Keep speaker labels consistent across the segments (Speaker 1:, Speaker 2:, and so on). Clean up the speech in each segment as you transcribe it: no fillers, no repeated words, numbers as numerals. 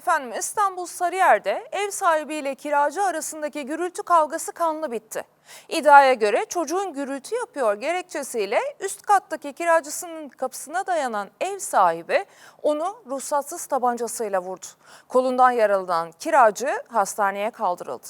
Speaker 1: Efendim İstanbul Sarıyer'de ev sahibiyle kiracı arasındaki gürültü kavgası kanlı bitti. İddiaya göre çocuğun gürültü yapıyor gerekçesiyle üst kattaki kiracısının kapısına dayanan ev sahibi onu ruhsatsız tabancasıyla vurdu. Kolundan yaralanan kiracı hastaneye kaldırıldı.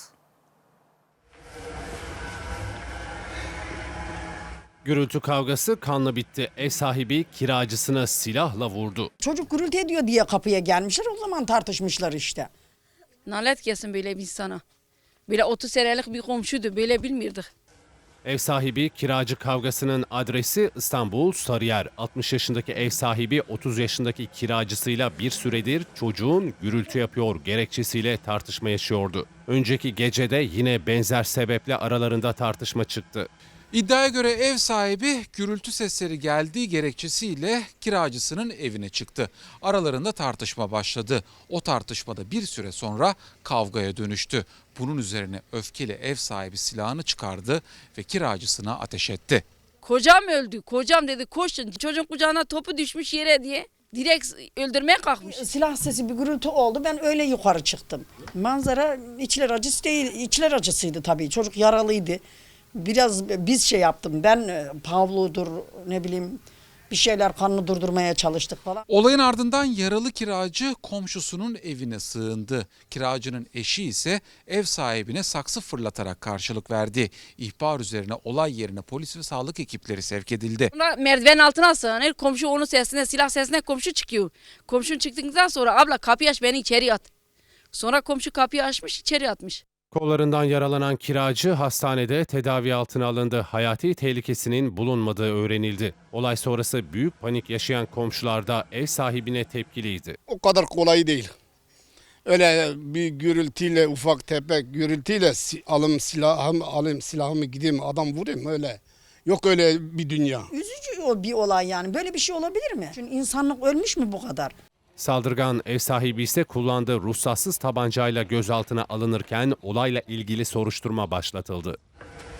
Speaker 2: Gürültü kavgası kanlı bitti. Ev sahibi kiracısına silahla vurdu.
Speaker 3: Çocuk gürültü ediyor diye kapıya gelmişler, o zaman tartışmışlar işte.
Speaker 4: Nalet gelsin böyle bir insana. Böyle 30 senelik bir komşuydu, böyle bilmirdik.
Speaker 2: Ev sahibi kiracı kavgasının adresi İstanbul Sarıyer. 60 yaşındaki ev sahibi 30 yaşındaki kiracısıyla bir süredir çocuğun gürültü yapıyor gerekçesiyle tartışma yaşıyordu. Önceki gecede yine benzer sebeple aralarında tartışma çıktı.
Speaker 5: İddiaya göre ev sahibi gürültü sesleri geldiği gerekçesiyle kiracısının evine çıktı. Aralarında tartışma başladı. O tartışmada bir süre sonra kavgaya dönüştü. Bunun üzerine öfkeli ev sahibi silahını çıkardı ve kiracısına ateş etti.
Speaker 4: Kocam öldü, kocam dedi koşun. Çocuğun kucağına topu düşmüş yere diye direkt öldürmeye kalkmış.
Speaker 3: Silah sesi, bir gürültü oldu, ben öyle yukarı çıktım. Manzara içler acısı değil, içler acısıydı tabii, çocuk yaralıydı. Biraz biz şey yaptım, ben Pavlo'dur ne bileyim bir şeyler, kanını durdurmaya çalıştık falan.
Speaker 5: Olayın ardından yaralı kiracı komşusunun evine sığındı. Kiracının eşi ise ev sahibine saksı fırlatarak karşılık verdi. İhbar üzerine olay yerine polis ve sağlık ekipleri sevk edildi.
Speaker 4: Sonra merdiven altına sığınır, komşu onun sesine, silah sesine komşu çıkıyor. Komşun çıktıktan sonra abla kapıyı aç, beni içeri at. Sonra komşu kapıyı açmış, içeri atmış.
Speaker 2: Kollarından yaralanan kiracı hastanede tedavi altına alındı. Hayati tehlikesinin bulunmadığı öğrenildi. Olay sonrası büyük panik yaşayan komşular da ev sahibine tepkiliydi.
Speaker 6: O kadar kolay değil. Öyle bir gürültüyle, ufak tefek gürültüyle alayım silahımı gideyim adam vurayım öyle. Yok öyle bir dünya.
Speaker 3: Üzücü bir olay yani, böyle bir şey olabilir mi? Çünkü insanlık ölmüş mü bu kadar?
Speaker 2: Saldırgan ev sahibi ise kullandığı ruhsatsız tabancayla gözaltına alınırken olayla ilgili soruşturma başlatıldı.